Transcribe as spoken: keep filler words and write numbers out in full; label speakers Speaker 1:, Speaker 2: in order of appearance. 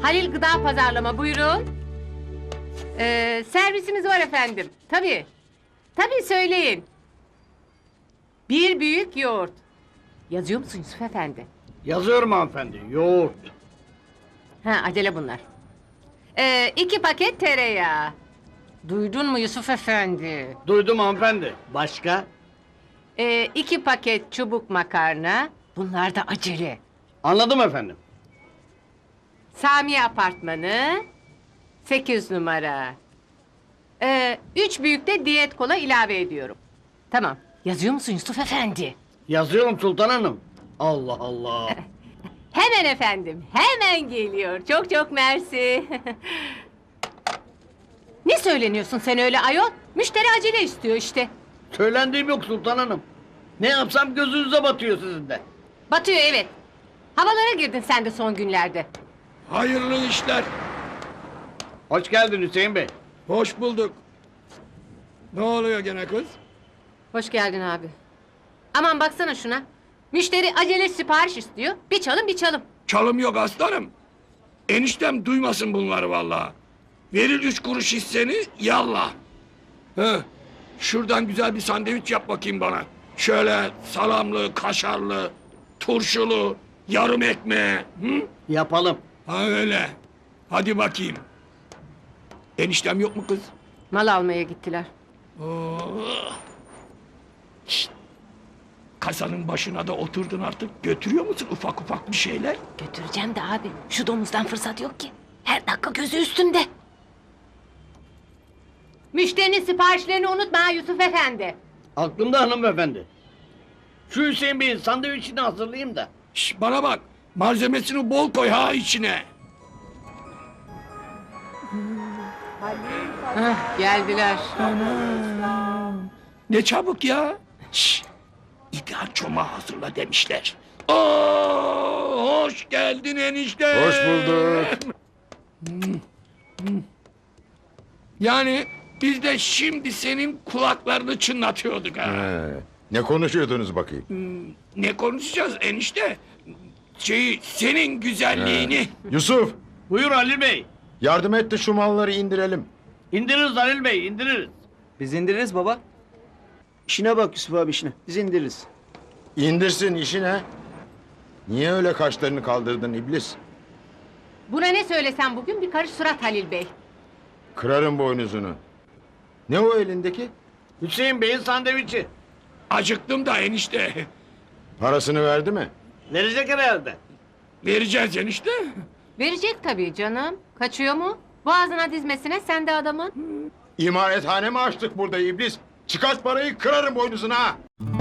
Speaker 1: Halil Gıda Pazarlama, buyurun. Ee, servisimiz var efendim. Tabii. Tabii, söyleyin. Bir büyük yoğurt. Yazıyor musun Yusuf Efendi?
Speaker 2: Yazıyorum hanımefendi. Yoğurt.
Speaker 1: Ha, acele bunlar. Ee, iki paket tereyağı. Duydun mu Yusuf Efendi?
Speaker 2: Duydum hanımefendi. Başka?
Speaker 1: Ee, iki paket çubuk makarna. Bunlar da acele.
Speaker 2: Anladım efendim.
Speaker 1: Sami Apartmanı. Sekiz numara. Ee, üç büyük de diyet kola ilave ediyorum. Tamam. Yazıyor musun Yusuf Efendi?
Speaker 2: Yazıyorum Sultan Hanım. Allah Allah.
Speaker 1: Hemen efendim. Hemen geliyor. Çok çok mersi. Ne söyleniyorsun sen öyle ayol? Müşteri acele istiyor işte.
Speaker 2: Söylendiğim yok Sultan Hanım. Ne yapsam gözünüze batıyor sizin de.
Speaker 1: Batıyor, evet. Havalara girdin sen de son günlerde.
Speaker 3: Hayırlı işler.
Speaker 2: Hoş geldin Hüseyin Bey.
Speaker 3: Hoş bulduk. Ne oluyor gene kız?
Speaker 1: Hoş geldin abi. Aman baksana şuna. Müşteri acele sipariş istiyor. Bir çalım bir çalım.
Speaker 3: Çalım yok aslanım. Eniştem duymasın bunları vallahi. Verir üç kuruş hisseni yallah. Heh, şuradan güzel bir sandviç yap bakayım bana. Şöyle salamlı, kaşarlı, turşulu, yarım ekmeğe. Hı?
Speaker 2: Yapalım.
Speaker 3: Ha öyle. Hadi bakayım. Eniştem yok mu kız?
Speaker 1: Mal almaya gittiler.
Speaker 3: Oh. Şşt! Kasanın başına da oturdun artık. Götürüyor musun ufak ufak bir şeyler?
Speaker 1: Götüreceğim de abi. Şu domuzdan fırsat yok ki. Her dakika gözü üstünde. Müşterinin siparişlerini unutma ha Yusuf Efendi.
Speaker 2: Aklımda hanımefendi. Şu Hüseyin Bey'in sandviçini hazırlayayım da.
Speaker 3: Şş, bana bak. Malzemesini bol koy ha içine.
Speaker 1: Hah, geldiler.
Speaker 3: Ne çabuk ya. Şş, ideal çomağı hazırla demişler. Oo, hoş geldin enişte.
Speaker 4: Hoş bulduk.
Speaker 3: Yani biz de şimdi senin kulaklarını çınlatıyorduk ha.
Speaker 4: He, ne konuşuyordunuz bakayım?
Speaker 3: Ne konuşacağız enişte? Şey, senin güzelliğini.
Speaker 4: Yusuf,
Speaker 2: Buyur Halil Bey.
Speaker 4: yardım et de şu malları indirelim.
Speaker 2: İndiririz Halil Bey, indiririz.
Speaker 5: Biz indiririz baba. İşine bak Yusuf abi, işine. Biz indiririz.
Speaker 4: İndirsin işine. Niye öyle kaşlarını kaldırdın iblis?
Speaker 1: Buna ne söylesem bugün bir karış surat Halil Bey.
Speaker 4: Kırarım boynuzunu. Ne o elindeki?
Speaker 2: Hüseyin Bey'in sandviçi.
Speaker 3: Acıktım da enişte.
Speaker 4: Parasını verdi mi?
Speaker 2: Verecek herhalde.
Speaker 3: Vereceğiz enişte.
Speaker 1: Verecek tabii canım. Kaçıyor mu? Boğazına dizmesine sen de adamın.
Speaker 4: İmarethane mi açtık burada iblis? Çıkart parayı, kırarım boynuzuna ha!